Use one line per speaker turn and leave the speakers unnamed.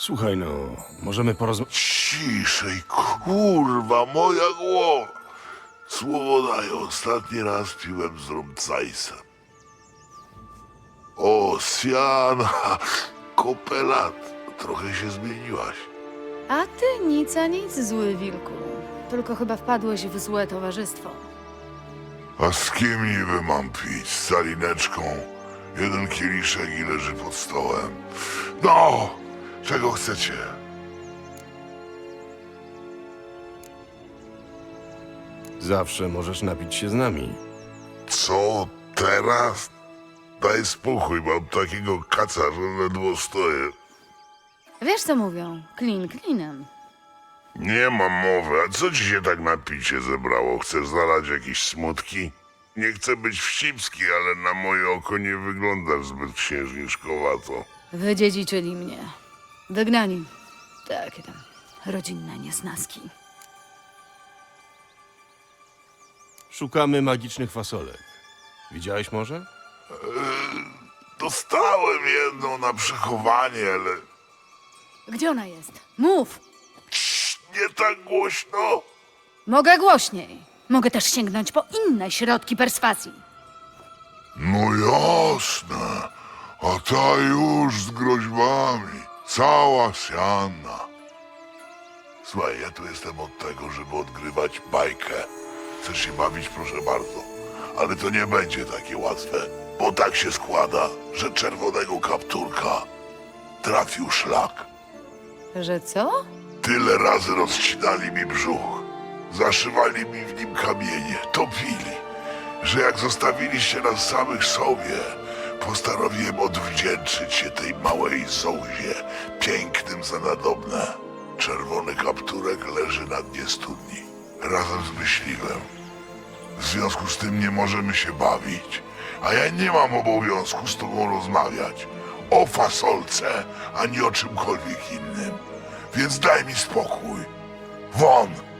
Słuchaj no, możemy porozmawiać...
Ciszej, kurwa, moja głowa. Słowo daję, ostatni raz piłem z rumcajsem. O, Siana, kopelat, trochę się zmieniłaś.
A ty nic a nic, zły wilku. Tylko chyba wpadłeś w złe towarzystwo.
A z kim niby mam pić? Z salineczką? Jeden kieliszek i leży pod stołem. No, czego chcecie?
Zawsze możesz napić się z nami.
Co teraz? Daj spokój, mam takiego kaca, że ledwo stoję.
Wiesz co mówią? Klin klinem.
Nie mam mowy, a co ci się tak na picie zebrało? Chcesz zalać jakieś smutki? Nie chcę być wścibski, ale na moje oko nie wyglądasz zbyt księżniczkowato.
Wydziedziczyli mnie. Wygnani. Takie tam rodzinne niesnaski.
Szukamy magicznych fasolek. Widziałeś może?
Dostałem jedną na przechowanie, ale
Gdzie ona jest? Mów!
nie tak głośno.
Mogę głośniej. Mogę też sięgnąć po inne środki perswazji.
No jasne, a ta już z groźbami, cała siana. Słuchaj, ja tu jestem od tego, żeby odgrywać bajkę. Chcesz się bawić, proszę bardzo. Ale to nie będzie takie łatwe, bo tak się składa, że czerwonego kapturka trafił szlak.
Że co?
Tyle razy rozcinali mi brzuch, zaszywali mi w nim kamienie, topili, że jak zostawiliście nas samych sobie, postanowiłem odwdzięczyć się tej małej zołzie, pięknym za nadobne. Czerwony kapturek leży na dnie studni, razem z myśliwym. W związku z tym nie możemy się bawić, a ja nie mam obowiązku z tobą rozmawiać o fasolce, ani o czymkolwiek innym. Więc daj mi spokój. Won!